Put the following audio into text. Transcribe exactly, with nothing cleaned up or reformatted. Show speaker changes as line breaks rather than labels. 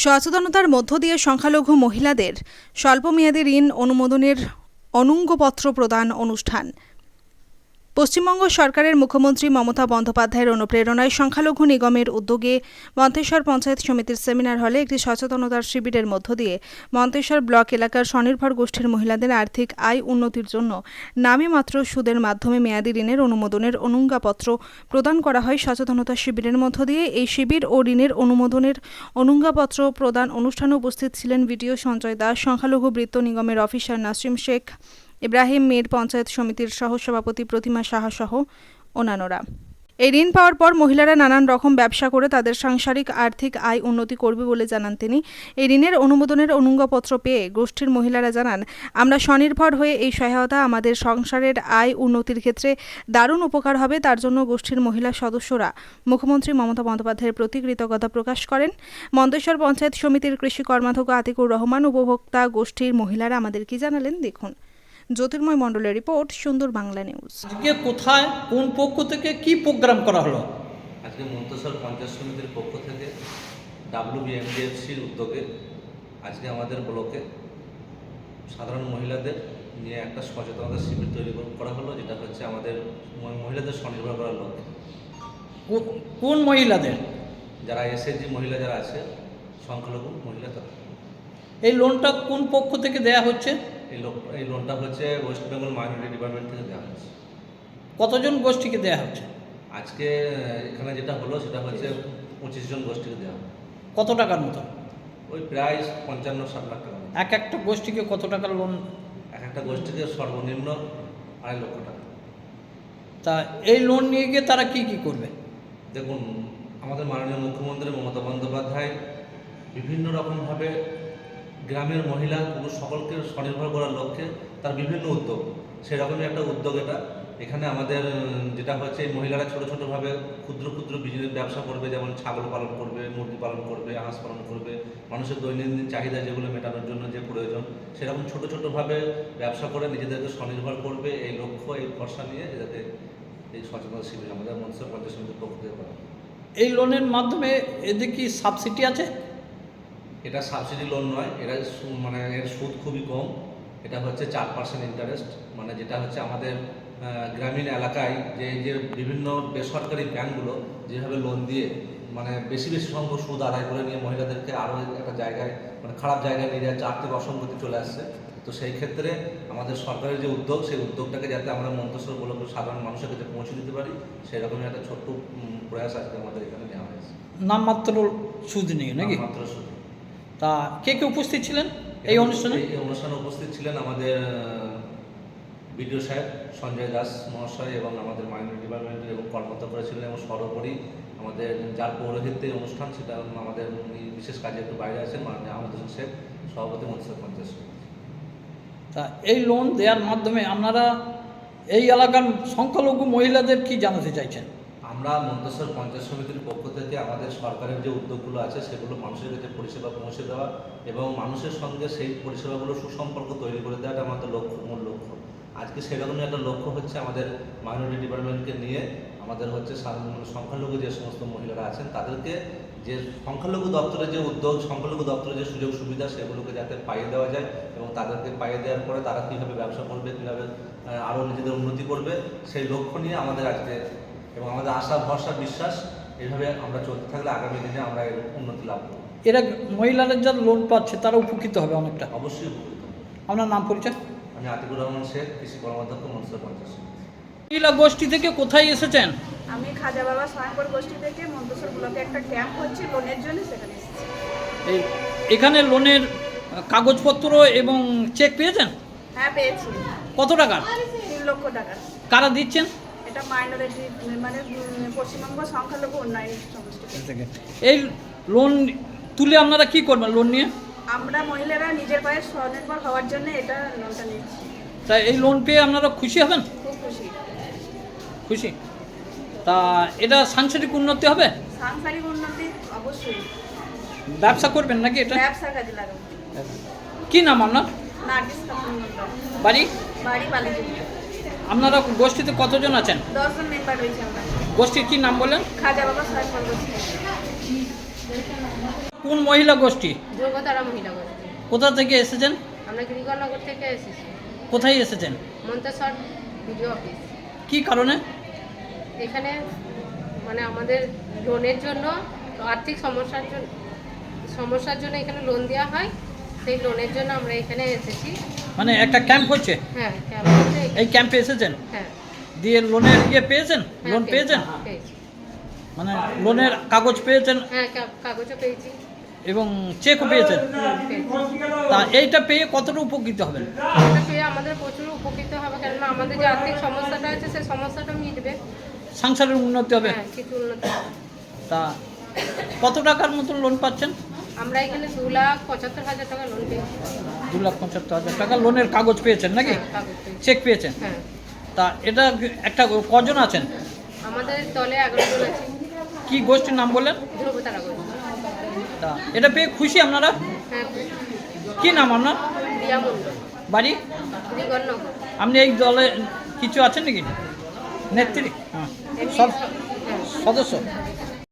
সচেতনতার মধ্য দিয়ে সংখ্যালঘু মহিলাদের স্বল্পমেয়াদী ঋণ অনুমোদনের অনুজ্ঞাপত্র প্রদান অনুষ্ঠান। পশ্চিমবঙ্গ সরকারের মুখ্যমন্ত্রী মমতা বন্দ্যোপাধ্যায়ের অনুপ্রেরণায় সংখ্যালঘু নিগমের উদ্যোগে মন্তেশ্বর পঞ্চায়েত সমিতির সেমিনার হলে একটি সচেতনতার শিবিরের মধ্য দিয়ে মন্তেশ্বর ব্লক এলাকার স্বনির্ভর গোষ্ঠীর মহিলাদের আর্থিক আয় উন্নতির জন্য নামে মাত্র সুদের মাধ্যমে মেয়াদী ঋণের অনুমোদনের অনুজ্ঞাপত্র প্রদান করা হয়। সচেতনতা শিবিরের মধ্য দিয়ে এই শিবির ও ঋণের অনুমোদনের অনুজ্ঞাপত্র প্রদান অনুষ্ঠানে উপস্থিত ছিলেন ভিডিও সঞ্জয় দাস, সংখ্যালঘু বৃত্ত নিগমের অফিসার নাসিম শেখ, ইব্রাহিম মীর, পঞ্চায়েত সমিতির সহসভাপতি প্রতিমা সাহা সহ অন্যান্যরা। এই ঋণ পাওয়ার পর মহিলারা নানান রকম ব্যবসা করে তাদের সাংসারিক আর্থিক আয় উন্নতি করবে বলে জানান তিনি। এই ঋণের অনুমোদনের অনুজ্ঞাপত্র পেয়ে গোষ্ঠীর মহিলারা জানান, আমরা স্বনির্ভর হয়ে এই সহায়তা আমাদের সংসারের আয় উন্নতির ক্ষেত্রে দারুণ উপকার হবে। তার জন্য গোষ্ঠীর মহিলা সদস্যরা মুখ্যমন্ত্রী মমতা বন্দ্যোপাধ্যায়ের প্রতি কৃতজ্ঞতা প্রকাশ করেন। মন্তেশ্বর পঞ্চায়েত সমিতির কৃষি কর্মাধ্যক্ষ আতিকুর রহমান, উপভোক্তা গোষ্ঠীর মহিলারা আমাদের কি জানালেন দেখুন। জ্যোতির্ময় মণ্ডলের রিপোর্ট, সুন্দর বাংলা নিউজ।
আজকে কোথায় কোন পক্ষ থেকে কি প্রোগ্রাম করা হলো?
আজকে মন্তেশ্বর পঞ্চায়েত সমিতির পক্ষ থেকে ডাব্লিউবিএমডিএফসির উদ্যোগে আজকে আমাদের ব্লকে সাধারণ মহিলাদের নিয়ে একটা সচেতনতা শিবির তৈরি করা হলো, যেটা হচ্ছে আমাদের মহিলাদের স্বনির্ভর করার লক্ষ্যে।
কোন মহিলাদের?
যারা এসএসজি মহিলা যারা আছে, সংখ্যালঘু মহিলা তারা।
এই লোনটা কোন পক্ষ থেকে দেয়া হচ্ছে?
এই লোক এই লোনটা হচ্ছে ওয়েস্ট বেঙ্গল মাইনরিটি ডিপার্টমেন্ট থেকে দেওয়া হচ্ছে।
কতজন গোষ্ঠীকে দেয়া হচ্ছে?
আজকে এখানে যেটা হলো সেটা হচ্ছে পঁচিশ জন গোষ্ঠীকে দেওয়া হবে।
কত টাকার মতো?
ওই প্রায় পঞ্চান্ন ষাট লাখ টাকা।
এক একটা গোষ্ঠীকে কত টাকার লোন?
এক একটা গোষ্ঠীকে সর্বনিম্ন আড়াই লক্ষ টাকা।
তা এই লোন নিয়ে গিয়ে তারা কি কি করবে?
দেখুন, আমাদের মাননীয় মুখ্যমন্ত্রী মমতা বন্দ্যোপাধ্যায় বিভিন্ন রকমভাবে গ্রামের মহিলা পুরুষ সকলকে স্বনির্ভর করার লক্ষ্যে তার বিভিন্ন উদ্যোগ, সেরকমই একটা উদ্যোগ এটা। এখানে আমাদের যেটা হচ্ছে এই মহিলারা ছোটো ছোটোভাবে ক্ষুদ্র ক্ষুদ্র বিজনেস ব্যবসা করবে, যেমন ছাগল পালন করবে, মুরগি পালন করবে, হাঁস পালন করবে, মানুষের দৈনন্দিন চাহিদা যেগুলো মেটানোর জন্য যে প্রয়োজন, সেরকম ছোটো ছোটোভাবে ব্যবসা করে নিজেদেরকে স্বনির্ভর করবে। এই লক্ষ্য, এই ভরসা নিয়ে যাতে এই সচেতনতা শিবির আমাদের মন্তেশ্বর পঞ্চায়েত সমিতির পক্ষ থেকে করা।
এই লোনের মাধ্যমে এদের কি সাবসিডি আছে?
এটা সাবসিডি লোন নয়, এটা মানে এর সুদ খুবই কম। এটা হচ্ছে চার পার্সেন্ট ইন্টারেস্ট, মানে যেটা হচ্ছে আমাদের গ্রামীণ এলাকায় যে যে বিভিন্ন বেসরকারি ব্যাঙ্কগুলো যেভাবে লোন দিয়ে মানে বেশি বেশি সংখ্যক সুদ আদায় করে নিয়ে মহিলাদেরকে আরও একটা জায়গায় মানে খারাপ জায়গায় নিয়ে যাচ্ছে, আর্থিক অসঙ্গতি চলে আসছে। তো সেই ক্ষেত্রে আমাদের সরকারের যে উদ্যোগ, সেই উদ্যোগটাকে যাতে আমরা মন্তেশ্বর ব্লকের সাধারণ মানুষের কাছে পৌঁছে দিতে পারি, সেই রকমই একটা ছোট্ট প্রয়াস আজকে আমাদের এখানে নেওয়া হয়েছে।
নামমাত্র সুদ নিয়ে নাকি?
মাত্র সুদ।
তা কে কে উপস্থিত ছিলেন এই অনুষ্ঠানে?
এই অনুষ্ঠানে উপস্থিত ছিলেন আমাদের বিডিও সাহেব সঞ্জয় দাস মহাশয় এবং আমাদের মাইনরিটি ডিপার্টমেন্টের এবং কর্মকর্তা ছিলেন, এবং সর্বোপরি আমাদের যার পৌরোহিত্যে অনুষ্ঠান, সেটা আমাদের বিশেষ কাজে একটু বাইরে আছেন মাননীয় আহমদ হোসেন শেখ, সভাপতি মন্তেশ্বর পঞ্চায়েত সমিতি।
তা এই লোন দেওয়ার মাধ্যমে আপনারা এই এলাকার সংখ্যালঘু মহিলাদের কি জানাতে চাইছেন?
আমরা মন্তেশ্বর পঞ্চায়েত সমিতির পক্ষ থেকে আমাদের সরকারের যে উদ্যোগগুলো আছে সেগুলো মানুষের কাছে পরিষেবা পৌঁছে দেওয়া এবং মানুষের সঙ্গে সেই পরিষেবাগুলো সুসম্পর্ক তৈরি করে দেওয়াটা আমাদের লক্ষ্য, মূল লক্ষ্য। আজকে সেরকমই একটা লক্ষ্য হচ্ছে আমাদের মাইনরিটি ডিপার্টমেন্টকে নিয়ে আমাদের হচ্ছে সংখ্যালঘু যে সমস্ত মহিলারা আছেন তাদেরকে যে সংখ্যালঘু দপ্তরের যে উদ্যোগ, সংখ্যালঘু দপ্তরের যে সুযোগ সুবিধা, সেগুলোকে যাতে পাইয়ে দেওয়া যায় এবং তাদেরকে পাইয়ে দেওয়ার পরে তারা কীভাবে ব্যবসা করবে, কীভাবে আরও নিজেদের উন্নতি করবে, সেই লক্ষ্য নিয়ে আমাদের আজকে, এবং আমাদের আশা ভরসা বিশ্বাস এইভাবে আমরা চলতে থাকলে আগামী দিনে আমরা এর উন্নতি লাভ করব।
এরা মহিলাদের যারা লোন পাচ্ছে তারা উপকৃত হবে অনেকটা?
অবশ্যই উপকৃত হবে।
আপনার নাম পরিচয়?
আমি আতিকুর রহমান শেখ, কৃষি কর্মাধ্যক্ষ, মন্তেশ্বর পঞ্চায়েত সমিতি।
মহিলা গোষ্ঠী থেকে কোথায় এসেছেন?
আমি খাজা বাবা স্বয়ংবর গোষ্ঠী থেকে মন্তেশ্বর ব্লকে একটা ক্যাম্প হচ্ছে লোনের জন্য, সেখানে এসেছি।
এই এখানে লোনের কাগজপত্র এবং চেক পেয়েছেন?
হ্যাঁ, পেয়েছি।
কত টাকা?
তিন লক্ষ টাকা।
কারা দিচ্ছেন?
এটা মাইনরিটি মানে পশ্চিমবঙ্গ সংখ্যালঘু উন্নয়ন সমষ্টি থেকে।
এই লোন তুলে আপনারা কি করবেন লোন নিয়ে?
আমরা মহিলারা নিজের পায়ে স্বনির্ভর হওয়ার জন্য এটা লোনটা নিচ্ছি।
তা এই লোন পেয়ে আপনারা খুশি হবেন?
খুব খুশি।
খুশি। তা এটা সাংসারিক উন্নতি হবে?
সাংসারিক উন্নতি অবশ্যই।
ব্যবসা করবেন নাকি এটা?
ব্যবসা কাজে লাগাবো।
কি নাম আপনার?
নার্গিস খাতুন মন্ডল।
বাড়ি?
বাড়ি বালিজুড়ি।
আপনারা গোষ্ঠীতে কতজন আছেন?
দশজন মেম্বার রয়েছে আমরা।
গোষ্ঠীর কি নাম বললেন?
খাজা বাবা স্বয়ংবর গোষ্ঠী।
কোন মহিলা গোষ্ঠী?
ধ্রুবতারা মহিলা গোষ্ঠী।
কোথা থেকে এসেছেন?
আমরা গিরিগরনগর থেকে এসেছি।
কোথায় এসেছেন?
Manteswar BDO office.
কি কারণে?
এখানে মানে আমাদের লোনের জন্য, আর্থিক সমস্যার জন্য সমস্যার জন্য এখানে লোন দেওয়া হয়, সেই লোনের জন্য আমরা এখানে এসেছি।
মানে একটা ক্যাম্প হচ্ছে,
হ্যাঁ ক্যাম্প হচ্ছে।
এই ক্যাম্পে এসেছেন,
হ্যাঁ
দিয়ে লোনের ইয়ে পেয়েছেন,
হ্যাঁ,
লোন
পেয়েছি,
পেয়েছেন,
পেয়েছি।
মানে লোনের কাগজ পেয়েছেন
হ্যাঁ কা- কাগজও পেয়েছি।
এবং চেকও পেয়েছেন।
পেয়েছি।
তা এইটা পেয়ে কতটা উপকৃত হবেন?
এটা পেয়ে আমাদের প্রচুর উপকৃত হবে, কেননা আমাদের যে আর্থিক সমস্যাটা আছে সেই সমস্যাটা মিটবে।
সংসারের উন্নতি হবে।
হ্যাঁ কিছু উন্নতি হবে।
তা কত টাকার মতন লোন পাচ্ছেন?
আমরা এখানে দু লাখ পঁচাত্তর হাজার টাকা লোন পেয়েছি।
দু লাখ পঁচাত্তর হাজার টাকা লোনের কাগজ পেয়েছেন নাকি?
হ্যাঁ, কাগজ পেয়েছি।
চেক পেয়েছেন?
হ্যাঁ
তা এটা একটা কজন আছেন?
আমাদের দলে এগারো জন আছে।
কি গোষ্ঠীর নাম বললেন?
ধ্রুবতারা গোষ্ঠী।
তা এটা পেয়ে খুশি আপনারা?
হ্যাঁ
কি নাম আপনার?
রিয়া মন্ডল,
বাড়ি?
গিরিগরনগর।
আপনি এই দলে কিছু আছেন নাকি? নেত্রী? হ্যাঁ,
এমনি
সব
সব- হ্যাঁ
সদস্য?